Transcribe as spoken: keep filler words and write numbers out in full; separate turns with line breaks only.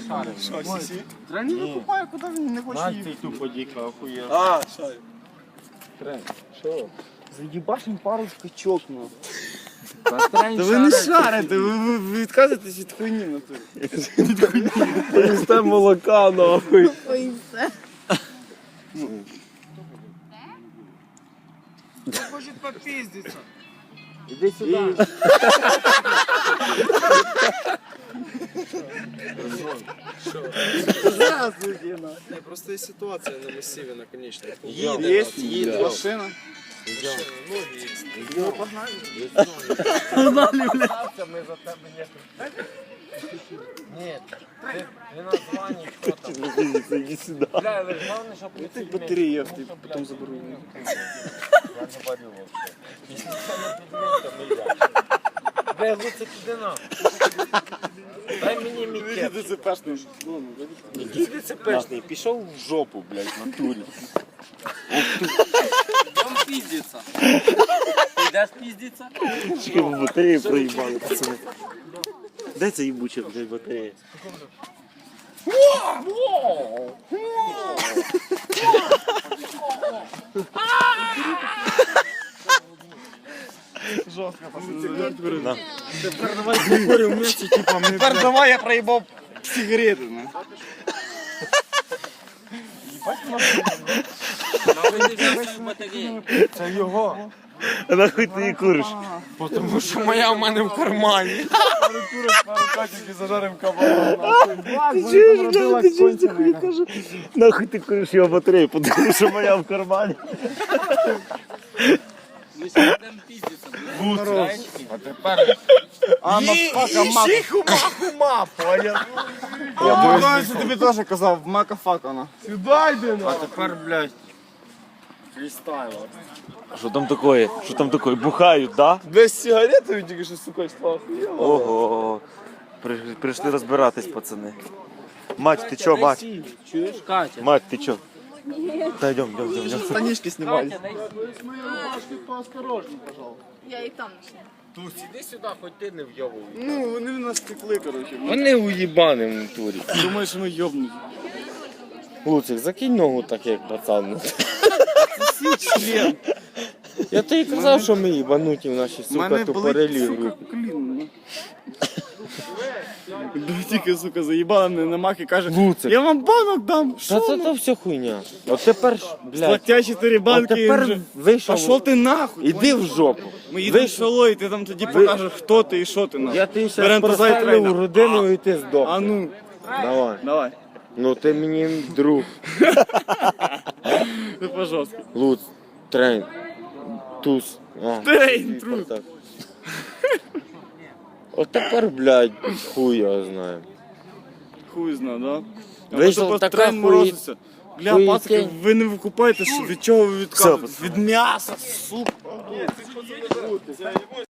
шарив.
Що, сісі?
Трені викупає, куди він не хоче
Мать
їхати.
цей тупо діка, охуєв.
А, шарю.
Трен, що?
Заїбашим пару скачок, ну.
Та ви не шарите, ви, ви, ви відказуєтесь від хуйні на турі.
Це молока, нахуй.
Ой, все.
Хочуть попіздитися.
Іди сюди.
Здравствуйте, на.
Не, просто есть ситуация на массиве на конечном.
Їде, є, їде. Машина.
Ноги есть.
Ми за тебе не... Ні, ти не названі, хто там.
Іди сюди.
Бля, але ж головне, щоб
Я так батарею, я потім заберу.
Я не варю вообще. Якщо це не підмін, то не я. Бля, лучше піди на. Дай мені мій кеп.
Ти це пешний.
Який ти це пешний? Пішов в жопу, блядь, в натурі.
Там піздиться.
Ти йдеш піздиться?
Чекай, ви батарею проїбали, пацани. Де це їбуча, блядь, батарея?
Тепер давай покуримо вместе, типа, ми... Тепер давай я проїбав сигарети, на.
Це його.
А нахуй ти її куриш?
Тому що моя в мене в кармані.
Пару курок, пару качок і зажарим кабана.
Ти чуєш, блядь, ти чуєш, ти хуй кажу? Нахуй ти куриш його батарею, тому що моя в кармані.
Ми сьогодні піздиться.
А тепер... А, мафака, мака.
Хума, понял?
Я пам'ятаю, що тобі теж казав, мака фака, на.
Сюди йди,
А тепер, блядь,
Що там такое? Що там такое? Бухають, да?
без сигарети він тільки що, сука, став.
Ого. При- Прийшли розбиратись, пацани. Мать, ти чо, мать?
Чуєш, Катя?
Мать, ти чо? Та йдем, йдем, йдем, йдем.
Штанишки знімали.
Я і там ще.
Тусь, іди сюди, хоч ти не вйовуй.
Ну, вони в нас текли, коротше.
Вони уїбани в натурі.
Думаю, що ми йобнуті.
Луцик, закинь ногу так, як пацан.
Член.
Я тобі казав, що ми їбануті в нашій,
У
сука,
мене
тупорелі
болить, сука,
групі.
коліно. Тільки, сука, заїбала мене на мах і каже,
Луцик.
я вам банок дам.
Та
Що?
це то все хуйня. От тепер, ж, блядь,
Платя чотири
от
банки. і
тепер
вже-
вийшов.
Пошов ти нахуй.
Іди в жопу.
Ми їдемо в
Вийшов.
село, і ти там тоді покажеш, хто ти і що ти нахуй.
Я тобі зараз
Берем
поставлю
трейна.
в родину і ти здох.
А ну,
Давай.
давай.
Ну ти мені друг.
Ти по-жорстки.
Луц, трейн, туз. А,
Трейн, трус.
так. От тепер, блядь, хуй його знає.
Хуй зна, да?
Вийшов
А то
така
трейн
хуї-
морозиться. Бля,
хуїтень.
пацки, ви не викупаєте, що від чого ви відказуєтесь?
Все,
Від м'яса, сука.